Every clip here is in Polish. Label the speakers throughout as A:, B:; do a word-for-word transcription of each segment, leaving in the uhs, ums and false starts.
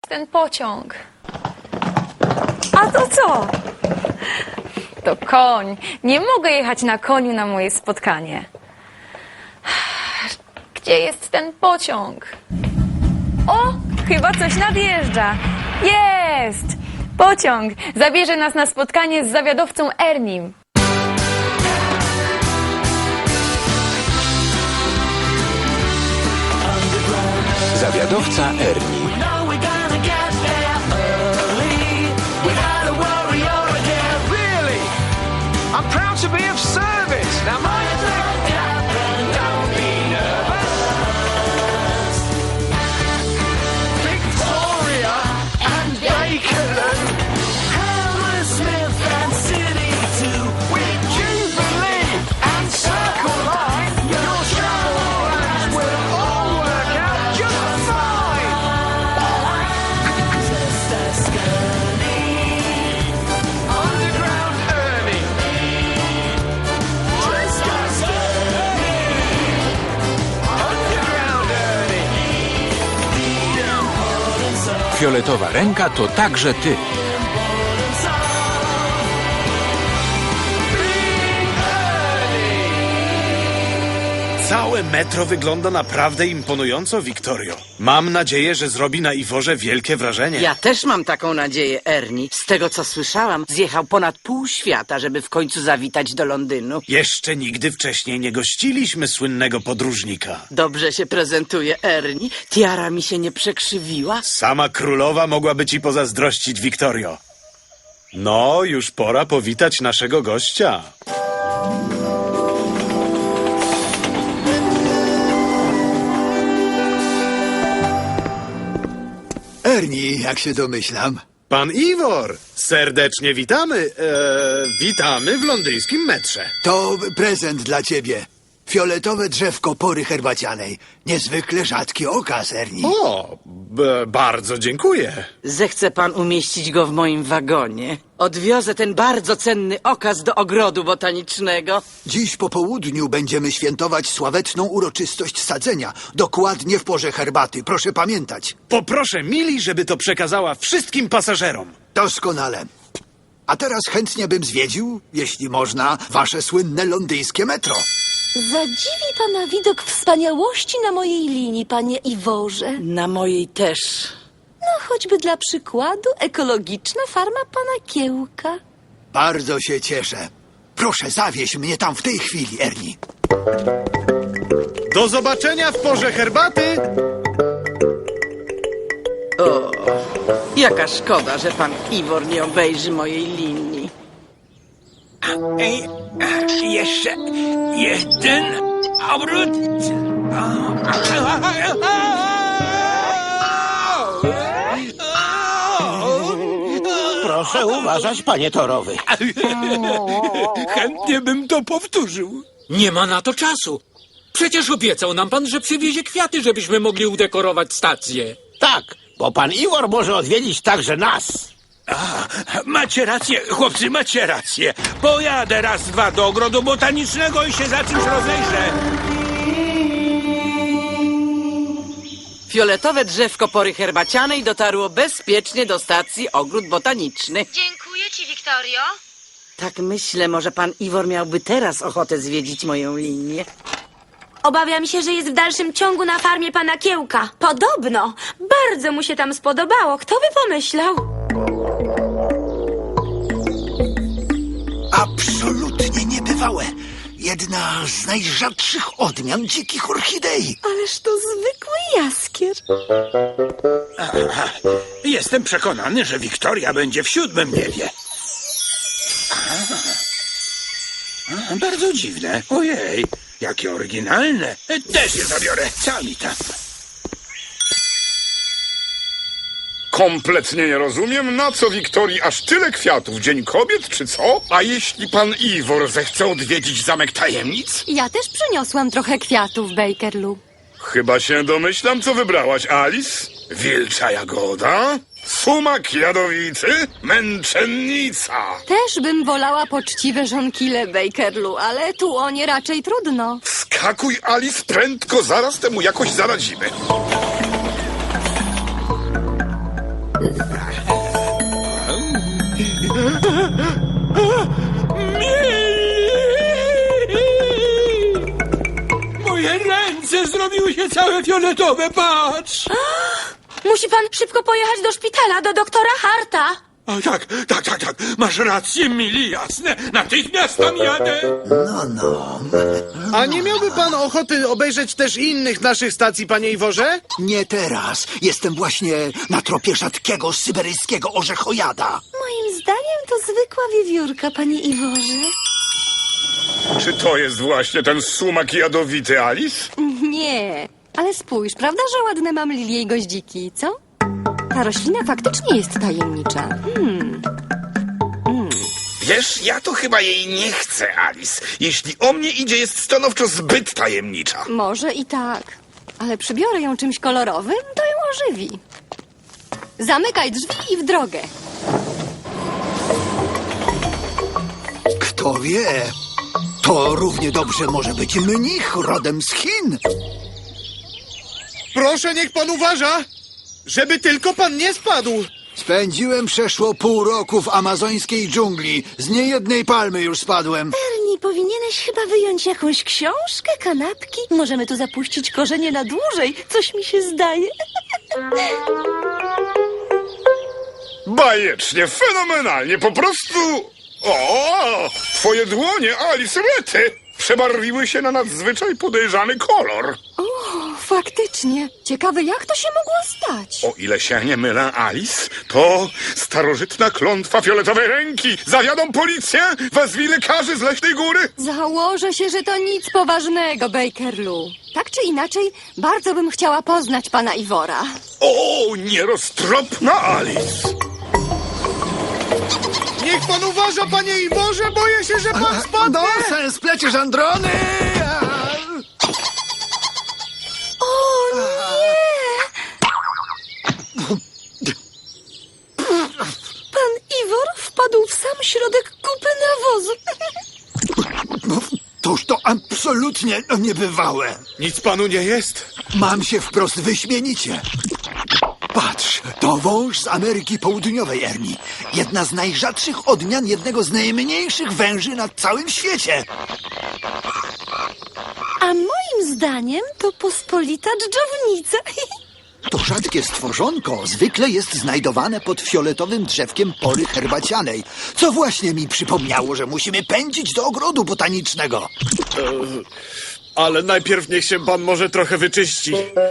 A: ten pociąg. A to co? To koń. Nie mogę jechać na koniu na moje spotkanie. Gdzie jest ten pociąg? O, chyba coś nadjeżdża. Jest! Pociąg zabierze nas na spotkanie z zawiadowcą Ernim.
B: Zawiadowca Ernie.
C: I'm proud to be of service. Now mind you, don't be nervous. Victoria and Bakerland, Hammersmith and City too. With Jubilee and Circle Line, your travel plans will all work out just fine. Underground Ernie.
B: Fioletowa ręka to także ty.
D: Całe metro wygląda naprawdę imponująco, Wiktorio. Mam nadzieję, że zrobi na Iworze wielkie wrażenie.
E: Ja też mam taką nadzieję, Ernie. Z tego, co słyszałam, zjechał ponad pół świata, żeby w końcu zawitać do Londynu.
D: Jeszcze nigdy wcześniej nie gościliśmy słynnego podróżnika.
E: Dobrze się prezentuje, Ernie. Tiara mi się nie przekrzywiła.
D: Sama królowa mogłaby ci pozazdrościć, Wiktorio. No, już pora powitać naszego gościa.
F: Ernie, jak się domyślam.
D: Pan Iwor, serdecznie witamy. Eee, witamy w londyńskim metrze.
F: To prezent dla ciebie. Fioletowe drzewko pory herbacianej. Niezwykle rzadki okaz, Ernie.
D: O, b- bardzo dziękuję.
E: Zechce pan umieścić go w moim wagonie. Odwiozę ten bardzo cenny okaz do ogrodu botanicznego.
F: Dziś po południu będziemy świętować sławetną uroczystość sadzenia. Dokładnie w porze herbaty, proszę pamiętać.
D: Poproszę Mili, żeby to przekazała wszystkim pasażerom.
F: Doskonale. A teraz chętnie bym zwiedził, jeśli można, wasze słynne londyńskie metro.
G: Zadziwi pana widok wspaniałości na mojej linii, panie Iworze.
E: Na mojej też.
G: No choćby dla przykładu ekologiczna farma pana Kiełka.
F: Bardzo się cieszę. Proszę, zawieź mnie tam w tej chwili, Ernie.
D: Do zobaczenia w porze herbaty.
E: O, jaka szkoda, że pan Iwor nie obejrzy mojej linii.
C: Ej, jeszcze jeden obrót.
H: Proszę uważać, panie torowy.
C: Chętnie bym to powtórzył.
I: Nie ma na to czasu. Przecież obiecał nam pan, że przywiezie kwiaty, żebyśmy mogli udekorować stację.
H: Tak, bo pan Iwor może odwiedzić także nas.
C: A, macie rację, chłopcy, macie rację. Pojadę raz, dwa do ogrodu botanicznego i się za czymś rozejrzę.
E: Fioletowe drzewko pory herbacianej dotarło bezpiecznie do stacji ogród botaniczny.
J: Dziękuję ci, Wiktorio.
E: Tak myślę, może pan Iwor miałby teraz ochotę zwiedzić moją linię.
J: Obawiam się, że jest w dalszym ciągu na farmie pana Kiełka. Podobno. Bardzo mu się tam spodobało. Kto by pomyślał?
F: Absolutnie niebywałe. Jedna z najrzadszych odmian dzikich orchidei.
G: Ależ to zwykły jaskier.
C: Aha, jestem przekonany, że Wiktoria będzie w siódmym niebie. Aha. A, bardzo dziwne. Ojej, jakie oryginalne. Też je zabiorę. Co mi tam?
K: Kompletnie nie rozumiem, na co Wiktorii aż tyle kwiatów. Dzień Kobiet, czy co? A jeśli pan Iwor zechce odwiedzić Zamek Tajemnic?
G: Ja też przyniosłam trochę kwiatów, Bakerlu.
K: Chyba się domyślam, co wybrałaś, Alice? Wilcza jagoda? Sumak jadowicy? Męczennica?
G: Też bym wolała poczciwe żonkile, Bakerlu, ale tu o nie raczej trudno.
K: Skakuj, Alice, prędko, zaraz temu jakoś zaradzimy.
C: Moje ręce zrobiły się całe fioletowe, patrz!
J: Musi pan szybko pojechać do szpitala, do doktora Harta.
C: O, tak, tak, tak, tak. Masz rację, Mili, jasne. Natychmiast tam jadę.
F: No, no.
D: A nie miałby pan ochoty obejrzeć też innych naszych stacji, panie Iworze?
F: Nie teraz. Jestem właśnie na tropie rzadkiego syberyjskiego orzechojada.
G: Moim zdaniem to zwykła wiewiórka, panie Iworze.
K: Czy to jest właśnie ten sumak jadowity, Alice?
G: Nie, ale spójrz, prawda, że ładne mam lilie i goździki, co? Ta roślina faktycznie jest tajemnicza. Hmm.
K: Wiesz, ja to chyba jej nie chcę, Alice. Jeśli o mnie idzie, jest stanowczo zbyt tajemnicza.
G: Może i tak, ale przybiorę ją czymś kolorowym, to ją ożywi. Zamykaj drzwi i w drogę.
F: Kto wie? To równie dobrze może być mnich rodem z Chin.
D: Proszę, niech pan uważa, żeby tylko pan nie spadł.
F: Spędziłem przeszło pół roku w amazońskiej dżungli. Z niejednej palmy już spadłem.
G: Ernie, powinieneś chyba wyjąć jakąś książkę, kanapki. Możemy tu zapuścić korzenie na dłużej. Coś mi się zdaje.
K: Bajecznie, fenomenalnie, po prostu... O, twoje dłonie, Alice, rety, przebarwiły się na nadzwyczaj podejrzany kolor.
G: O, faktycznie. Ciekawe, jak to się mogło stać?
K: O ile się nie mylę, Alice, to starożytna klątwa fioletowej ręki. Zawiadą policję, wezwij lekarzy z Leśnej Góry.
G: Założę się, że to nic poważnego, Bakerlu. Tak czy inaczej, bardzo bym chciała poznać pana Iwora.
K: O, nieroztropna Alice.
D: Niech pan uważa, panie Iworze, boję się, że pan spadnie.
F: Nonsens, pleciesz androny!
G: O nie! Pan Iwor wpadł w sam środek kupy nawozu.
F: Toż to absolutnie niebywałe.
D: Nic panu nie jest?
F: Mam się wprost wyśmienicie. Patrz, to wąż z Ameryki Południowej, Ernie. Jedna z najrzadszych odmian jednego z najmniejszych węży na całym świecie.
G: A moim zdaniem to pospolita dżdżownica.
F: To rzadkie stworzonko zwykle jest znajdowane pod fioletowym drzewkiem pory herbacianej, co właśnie mi przypomniało, że musimy pędzić do ogrodu botanicznego.
D: Ale najpierw niech się pan może trochę wyczyści.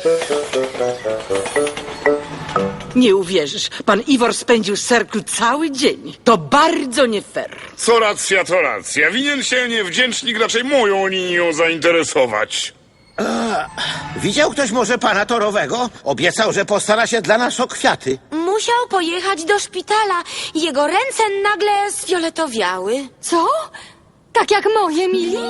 E: Nie uwierzysz, pan Iwor spędził z Serklu cały dzień. To bardzo nie fair.
K: Co racja, to racja. Winien się niewdzięcznik raczej moją linią zainteresować.
H: Widział ktoś może pana torowego? Obiecał, że postara się dla nas o kwiaty.
J: Musiał pojechać do szpitala. Jego ręce nagle sfioletowiały.
G: Co? Tak jak moje, Mili?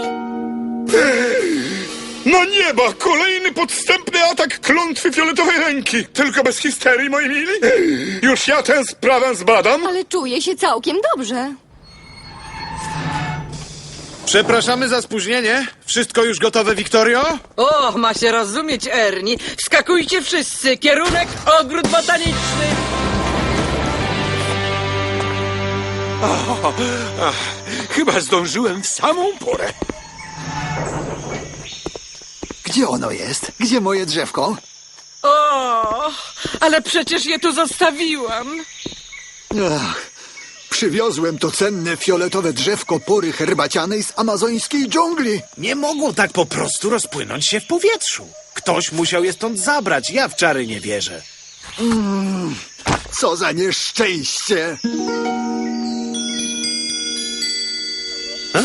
K: No nieba! Kolejny podstępny atak klątwy fioletowej ręki. Tylko bez histerii, moi mili. Już ja tę sprawę zbadam.
G: Ale czuję się całkiem dobrze.
D: Przepraszamy za spóźnienie. Wszystko już gotowe, Wiktorio?
E: O, ma się rozumieć, Ernie. Wskakujcie wszyscy. Kierunek ogród botaniczny.
C: O, ach, chyba zdążyłem w samą porę.
F: Gdzie ono jest? Gdzie moje drzewko?
E: O, ale przecież je tu zostawiłam.
F: Ach, przywiozłem to cenne fioletowe drzewko pory herbacianej z amazońskiej dżungli.
D: Nie mogło tak po prostu rozpłynąć się w powietrzu. Ktoś musiał je stąd zabrać. Ja w czary nie wierzę.
F: Mm, co za nieszczęście!
D: A.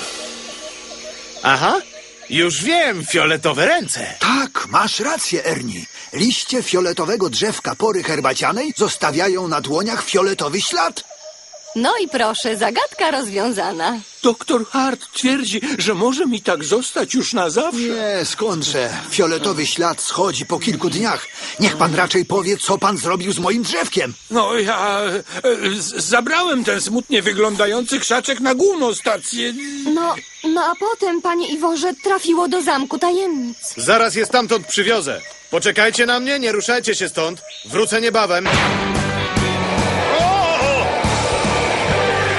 D: Aha, już wiem, fioletowe ręce.
F: Tak, masz rację, Ernie. Liście fioletowego drzewka pory herbacianej zostawiają na dłoniach fioletowy ślad.
G: No i proszę, zagadka rozwiązana.
C: Doktor Hart twierdzi, że może mi tak zostać już na zawsze.
F: Nie, skądże. Fioletowy ślad schodzi po kilku dniach. Niech pan raczej powie, co pan zrobił z moim drzewkiem.
C: No ja e, z, zabrałem ten smutnie wyglądający krzaczek na główną stację.
G: No, no a potem, panie Iworze, trafiło do zamku tajemnic.
D: Zaraz je stamtąd przywiozę. Poczekajcie na mnie, nie ruszajcie się stąd. Wrócę niebawem.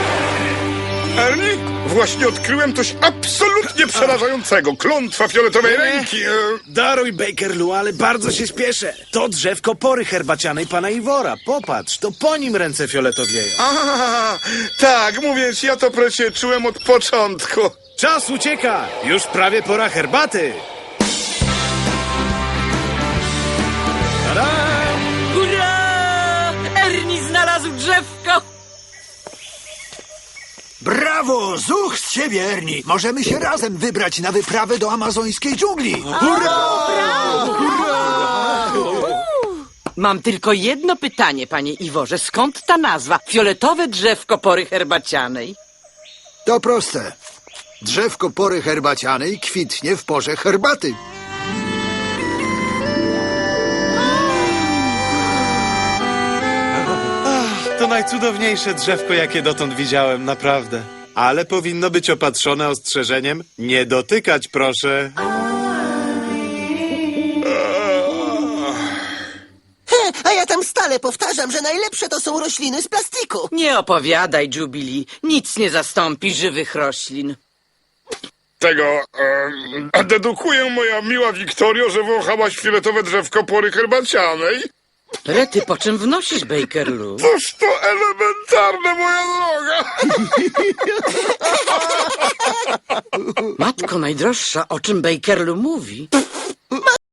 K: Ernie, właśnie odkryłem coś absolutnie przerażającego. Klątwa fioletowej ręki. e,
D: Daruj, Bakerlu, ale bardzo się śpieszę. To drzewko pory herbacianej pana Iwora. Popatrz, to po nim ręce fioletowieją.
K: A, tak, mówię ci, ja to przecie czułem od początku.
D: Czas ucieka! Już prawie pora herbaty! Tada!
E: Hurra! Ernie znalazł drzewko!
F: Brawo! Zuch z siebie, Ernie! Możemy się razem wybrać na wyprawę do amazońskiej dżungli! Hurra!
E: Mam tylko jedno pytanie, panie Iworze. Skąd ta nazwa? Fioletowe drzewko pory herbacianej.
F: To proste. Drzewko pory herbacianej kwitnie w porze herbaty.
D: To najcudowniejsze drzewko, jakie dotąd widziałem, naprawdę. Ale powinno być opatrzone ostrzeżeniem: nie dotykać, proszę.
L: A ja tam stale powtarzam, że najlepsze to są rośliny z plastiku.
E: Nie opowiadaj, Jubilee. Nic nie zastąpi żywych roślin.
K: Tego, e, dedukuję, moja miła Wiktorio, że wąchałaś fioletowe drzewko pory herbacianej.
E: Rety, po czym wnosisz, Bakerlu?
K: Toż to elementarne, moja droga.
E: Matko najdroższa, o czym Bakerlu mówi?